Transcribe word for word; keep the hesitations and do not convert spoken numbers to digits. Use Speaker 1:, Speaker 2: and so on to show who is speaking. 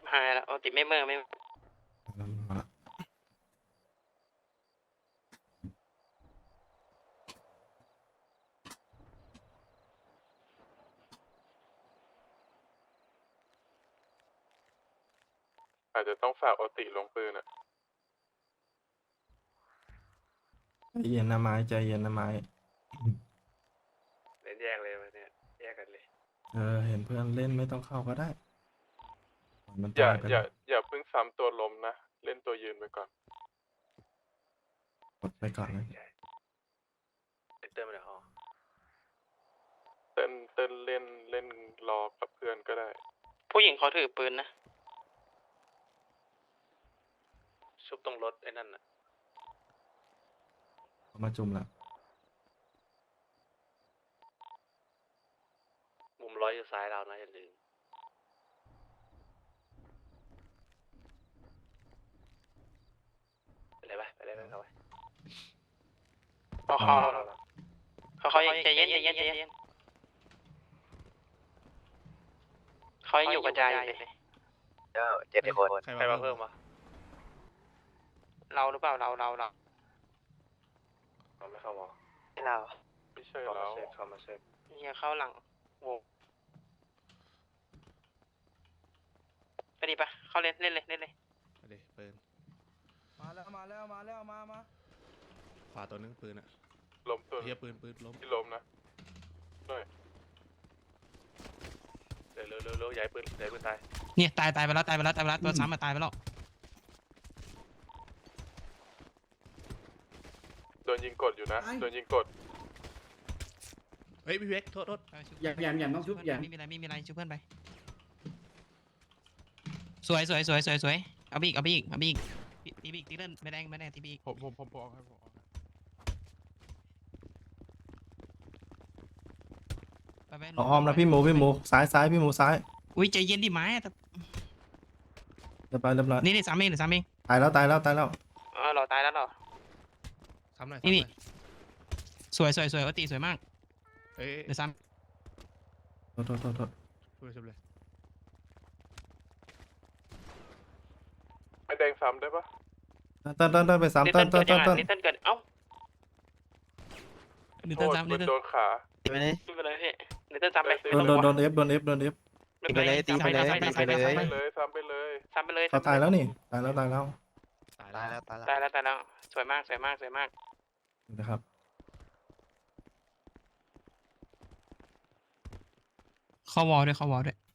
Speaker 1: หายแล้วโอติไม่เมื่อไม่
Speaker 2: อาจจะต้องฝากโอติลงปืนอ่ะ
Speaker 3: ใจเย็นนะไม้ใจเย็นนะไม้
Speaker 1: เล่นแยกเลยวันนี้แยกกันเลย
Speaker 3: เออเห็นเพื่อนเล่นไม่ต้องเข้าก็ได้มัน
Speaker 2: อย่า
Speaker 3: ตายไป
Speaker 2: อย่า
Speaker 3: แล้ว
Speaker 2: อย่าเพิ่งซ้ำตัวล้มนะเล่นตัวยืนไปก่อน
Speaker 3: กดไปก่อนนะ
Speaker 1: เติมเลยฮะ
Speaker 2: เต้นเต้นเล่นเล่นรอกับเพื่อนก็ได้
Speaker 1: ผู้หญิงเขาถือปืนนะชุบตรงรถไอ้นั่นน่ะ
Speaker 3: เอามาจุ่มละ
Speaker 1: มุมร้อยอยู่ซ้ายเรานะอย่าลืมไปเลยไปไปเลยไปเข้าไปเขาเขาเขาเขาใจเย็นใจเย็นใจเย็นเขายังอยู่กระจายอยู่เลย
Speaker 4: เจ้าเจ็ดคน
Speaker 1: ใครมาเพิ่มวะเราหรือเปล่าเราเราเราเราไม่เข้าวอ
Speaker 4: ให้เรา
Speaker 2: ไม่ใช่
Speaker 1: เข้า
Speaker 2: แล้
Speaker 1: มาว เซฟเข้ามาเซฟเนี่ยเข้าหลังโว้ไปดิปะเข้าเล่นเล่นเลยเล่นเลย
Speaker 5: ไปดิปืน
Speaker 6: มาแล้วมาแล้วมาแล้วมามา
Speaker 5: ขวาตัวนึงปืนอะ
Speaker 2: ล้มตัว
Speaker 5: เฮียปืนปืนล้ม
Speaker 2: ที่ล้มนะหน่อย
Speaker 1: เร็วเร็วเร็วเร็วย้ายปืนย้ายปืนตาย
Speaker 7: เนี่ยตายตายไปแล้วตายไปแล้วตายไปแล้วตัวซ้ำมาตายไปแล้ว
Speaker 2: โดนยิงกดอยู่นะโดนยิงกด
Speaker 5: เฮ้ยพี่เวกโทษโทษ
Speaker 6: แยมแยมแยมต้องชุบแยม
Speaker 7: ไม่มีอะไรไม่มีอะไรช่วยเพื่อนไปสวยสวยสวยสวยสวยเอาไปอีกเอาไปอีกเอาไปอีกตีไปอีกตีเล่นไม่แดงไม่แดงตีไปอีก
Speaker 2: ผมผมผมผมเอาให้ผมเอาให้
Speaker 7: ไปไป
Speaker 3: เอาอ้อมนะพี่หมูพี่หมูซ้ายซ้ายพี่หมูซ้าย
Speaker 7: อุ้ยใจเย็นดิไม้แต่
Speaker 3: เรียบร้อยเรียบร้อย
Speaker 7: นี่นี่สามเองหรือสามเอง
Speaker 3: ตายแล้วตายแล้วตายแล้ว
Speaker 1: เออเราตายแล้วเหรอ
Speaker 5: ซ้ำหน่อย
Speaker 7: นี่
Speaker 5: ซ้ำห
Speaker 7: นี่
Speaker 5: น่อย
Speaker 7: สวยสวยสวยโอตีสวยมาก
Speaker 5: เอ้ย
Speaker 7: เดี๋ยวซ้
Speaker 3: โทษโทษโทษโทษ
Speaker 5: ช่วยช่วยเลย
Speaker 2: ไอแดงซ้ำได้ปะ
Speaker 3: เต้นเต้นเต้นไปสาม
Speaker 1: ลิต
Speaker 3: เต้
Speaker 1: เติ้
Speaker 3: น
Speaker 1: ล เกิดยัง
Speaker 3: เต้นเต้นเต้
Speaker 1: ไง
Speaker 3: น
Speaker 1: ลิตเติ้ลเกิดเอ้า
Speaker 7: ำหรือ
Speaker 2: โท
Speaker 7: เต้น
Speaker 2: ษ
Speaker 7: ซ้ำห
Speaker 2: มั
Speaker 7: รือน เต้น
Speaker 2: โดนขา
Speaker 4: ไปเลย
Speaker 1: ขึ้นไปเลยพี่ลิตเติ้ลซ้ำไป
Speaker 3: โดนโดนโดนเอฟโดนเอฟโดนเอฟ
Speaker 4: ตีไปเลยตีไปเลยตีไปเลย
Speaker 2: ซ้ำไปเลยซ้ำไปเลย
Speaker 1: ซ้ำไปเลย
Speaker 3: เขาตายแล้วนี่ตายแล้วตายแล้ว
Speaker 5: ตาย
Speaker 4: ตาย
Speaker 5: แล้
Speaker 4: แล้ว วตายแล้ว
Speaker 1: ตายแล้วตายแล้วสวยมากสวยมากสวยมาก
Speaker 3: นะครับ
Speaker 7: เข้าวอลด้วยเข้าวอลด้วย